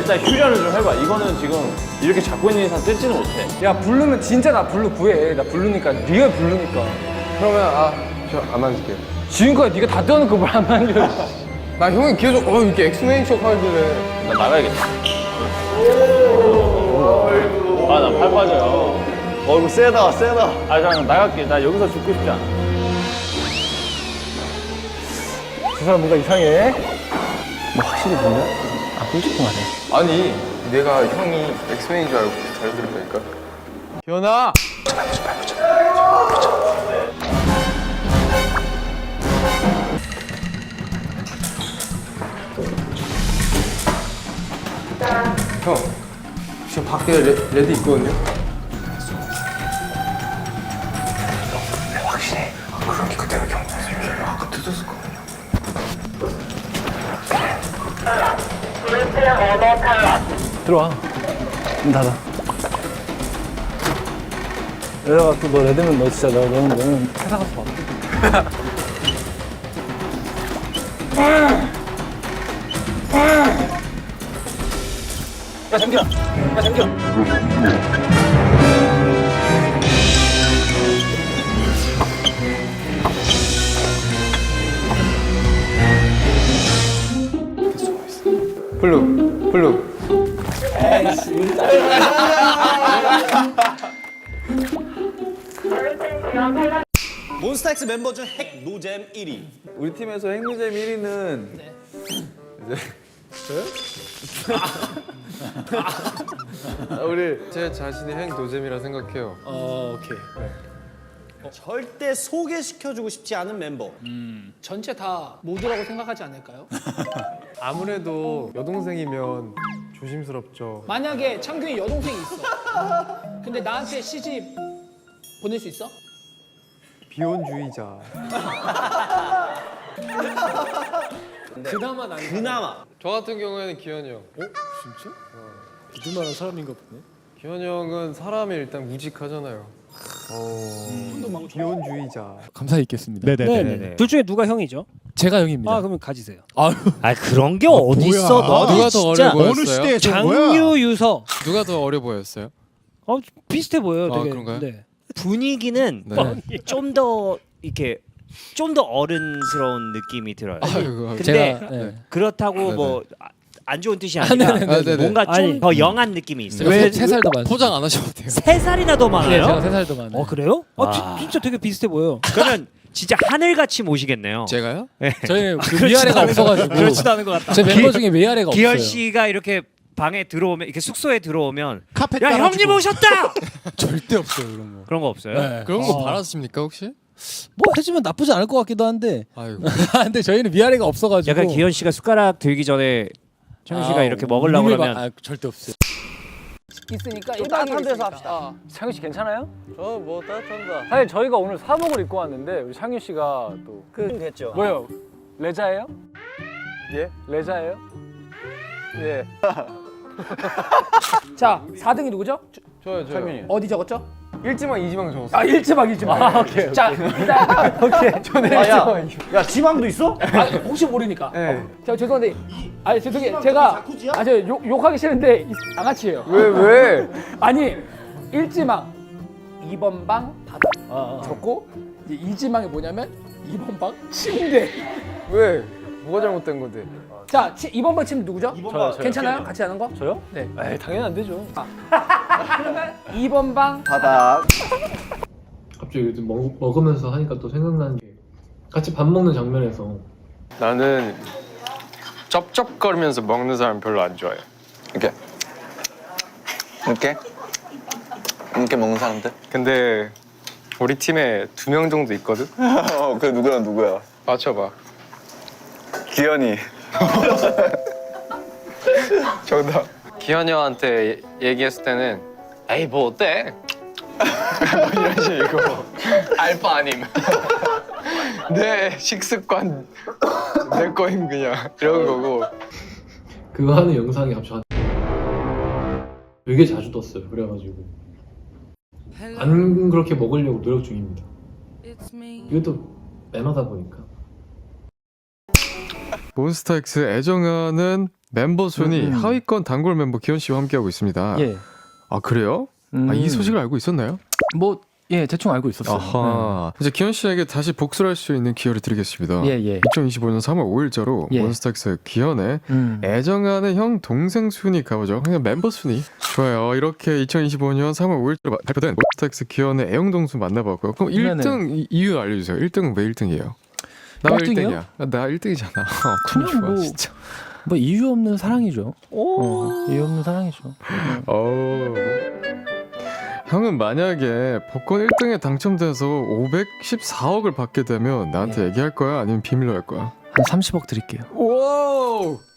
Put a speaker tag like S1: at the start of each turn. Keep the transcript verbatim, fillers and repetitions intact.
S1: 일단 휴전을 좀 해봐. 이거는 지금 이렇게 잡고 있는 이상 뜯지는 못해.
S2: 야 블루면 진짜 나 블루 구해. 나 블루니까 리얼 블루니까.
S3: 그러면 아 저 안 만질게요.
S2: 지금까지 네가 다 떼어놓고 뭘 안 만져.
S3: 나 형이 계속 어 이렇게 엑스맨 척 하길래.
S1: 나 나가야겠다. 아, 나 팔 빠져요.
S4: 어 이거 세다 세다.
S1: 아, 잠깐 나갈게. 나 여기서 죽고 싶지 않아.
S2: 저 사람 뭔가 이상해. 뭐 확실히 보냐? 아 끔찍하네.
S3: 아니 내가 형이 엑스맨인 줄 알고 잘 들었다니까. 기현아. 형, 지금 밖에 레, 레드 있거든요? 네, 확실해. 그런 게 그대로 경찰을 아까 늦었을 거거든요.
S2: 들어와. 문 닫아. 이래가 또 너 레드면 너 진짜 너 너는 너는 회사 가서 봐. 야 잠겨. 야 잠겨.
S3: 블루, 블루.
S4: 몬스타엑스 멤버 중 핵 노잼 일 위.
S5: 우리 팀에서 핵노잼 일 위는 이제
S3: 아, 우리 제 자신이 핵 노잼이라 생각해요.
S2: 어 오케이.
S4: 절대 소개시켜주고 싶지 않은 멤버.
S6: 전체 다 모두라고 생각하지 않을까요?
S3: 아무래도 여동생이면 조심스럽죠.
S6: 만약에 창균이 여동생이 있어. 근데 나한테 시집 보낼 수 있어?
S3: 비혼주의자.
S6: 그나마 난
S4: 그나마.
S3: 저 같은 경우에는 기현이 형. 어?
S2: 진짜? 믿을 만한 사람인가 보네.
S3: 기현이 형은 사람이 일단 우직하잖아요. 어... 비혼주의자.
S7: 감사히 있겠습니다.
S8: 네네네.
S9: 둘 중에 누가 형이죠?
S7: 제가 형입니다.
S9: 아 그러면 가지세요.
S8: 아 그런 게 어디 있어? 너
S3: 누가 더 어려
S8: 진짜
S3: 보였어요?
S5: 어느 시대에 저 거야?
S9: 장유 유서.
S3: 누가 더 어려 보였어요?
S9: 어 비슷해 보여요.
S3: 아,
S9: 되게.
S3: 그런가요?
S9: 네.
S8: 분위기는
S3: 네.
S8: 좀 더 이렇게 좀 더 어른스러운 느낌이 들어요.
S3: 아이고,
S8: 근데
S7: 제가 네.
S8: 그렇다고
S3: 네네.
S8: 뭐 안 좋은 뜻이 아니라
S3: 네네. 아, 네네.
S8: 뭔가
S9: 아니,
S8: 좀 더 영한 느낌이 있어요.
S7: 왜 세 살 더 많습니다.
S3: 포장 안 하셔도 돼요.
S8: 세 살이나 더
S7: 네,
S8: 많아요?
S7: 제가 세 살 더 많아요.
S9: 어 그래요? 아
S8: 와.
S9: 지- 진짜 되게 비슷해 보여.
S8: 그러면 진짜 하늘같이 모시겠네요.
S3: 제가요?
S7: 저희 그
S8: 그렇지도
S7: 위아래가
S8: 않은 것
S7: 없어가지고.
S8: 같- 그렇지도 않은 것 같다.
S7: 제 멤버 중에 위아래가 없어요.
S8: 기현 씨가 이렇게 방에 들어오면 이렇게 숙소에 들어오면
S5: 카페
S8: 야
S5: 깔아주고.
S8: 형님 오셨다!
S7: 절대 없어요 그런 거.
S8: 그런 거 없어요?
S7: 네.
S3: 그런 거
S7: 어.
S3: 바라십니까 혹시?
S7: 뭐 해주면 나쁘지 않을 것 같기도 한데.
S3: 아이고.
S7: 근데 저희는 위아래가 없어가지고.
S8: 약간 기현 씨가 숟가락 들기 전에 창현 씨가
S7: 아,
S8: 이렇게 먹으려고
S7: 우리를
S8: 그러면
S7: 막- 아, 절대 없어요.
S6: 있으니까
S2: 좀
S6: 일 박 이 일
S2: 따뜻한 데서
S6: 있으니까.
S2: 합시다.
S6: 어.
S2: 창규 씨 괜찮아요?
S3: 저뭐 따뜻한다.
S2: 사실 저희가 오늘 사복을 입고 왔는데 우리 창규 씨가 또
S4: 그 됐죠.
S2: 뭐예요? 레자예요?
S3: 예?
S2: 레자예요? 예.
S6: 자, 사 등이 누구죠?
S3: 저요 저요.
S2: 창균이.
S6: 어디 적었죠?
S3: 일지망 이지망 적었어요.
S2: 아 일지막 일지막. 아, 오케이.
S6: 자, 일단
S2: 오케이. 저는
S4: 아, 야,
S2: 일지막.
S4: 야 지방도 있어?
S6: 아, 혹시 모르니까.
S3: 네.
S6: 자, 죄송한데 아니 죄송해요. 제가 아, 저 욕, 욕하기 싫은데 이- 양아치예요.
S3: 왜 왜?
S6: 아니, 일지망 이 번 방 바닥
S2: 아, 아.
S6: 적고 이제 이지망이 뭐냐면 이 번 방 침대.
S3: 왜? 뭐가 잘못된 건데?
S6: 자, 치, 이 번 방 침대 누구죠?
S2: 저요, 저요.
S6: 괜찮아요? 같이 하는 거?
S2: 저요?
S6: 네.
S2: 에이 당연히 안 되죠.
S6: 그러면 이 번 방
S4: 바닥.
S7: 갑자기 요즘 먹, 먹으면서 하니까 또 생각나는 게 같이 밥 먹는 장면에서
S3: 나는 쩝쩝거리면서 먹는 사람 별로 안 좋아해.
S4: 이렇게. 이렇게. 이렇게 먹는 사람들?
S3: 근데 우리 팀에 두 명 정도 있거든.
S4: 어, 그 누구랑 누구야?
S3: 맞춰봐.
S4: 기현이.
S3: 정답. 기현이 형한테 얘기했을 때는 에이 뭐 어때? 뭐 이런 식이고 알바 아님. 내 식습관 내 거임 그냥 이런 거고.
S7: 그거 하는 영상이 갑자기 되게 자주 떴어요. 그래가지고 안 그렇게 먹으려고 노력 중입니다. 이것도 매너다 보니까.
S3: 몬스타엑스 애정하는
S10: 멤버 순위
S2: 음, 음.
S10: 하위권 단골 멤버 기현 씨와 함께하고 있습니다.
S2: 예.
S10: 아 그래요?
S2: 음.
S10: 아, 이 소식을 알고 있었나요?
S2: 뭐 예, 대충 알고 있었어요.
S10: 아하. 이제 기현 씨에게 다시 복수를 할 수 있는 기회를 드리겠습니다.
S2: 예, 예.
S10: 이천이십오 년 삼월 오일자로
S2: 예.
S10: 몬스타엑스 기현의
S2: 음.
S10: 애정하는 형 동생 순위 가보죠. 그냥 멤버 순위. 좋아요. 이렇게 이천이십오 년 삼월 오일자로 발표된 몬스타엑스 기현의 애용 동수 만나봤고요. 그럼
S2: 네네.
S10: 일 등 이- 이유 알려주세요. 일 등은 왜 일 등이에요? 나 왜
S2: 일 등이요?
S10: 일 등이야? 아, 나 일 등이잖아. 어, 참
S2: 그냥
S10: 좋아
S2: 뭐-
S10: 진짜.
S2: 뭐 이유 없는 사랑이죠. 어, 이유 없는 사랑이죠.
S10: 어. 형은 만약에 복권 일 등에 당첨돼서 오백십사억을 받게 되면 나한테
S2: 예.
S10: 얘기할 거야? 아니면 비밀로 할 거야?
S2: 한 삼십억 드릴게요.
S10: 와우!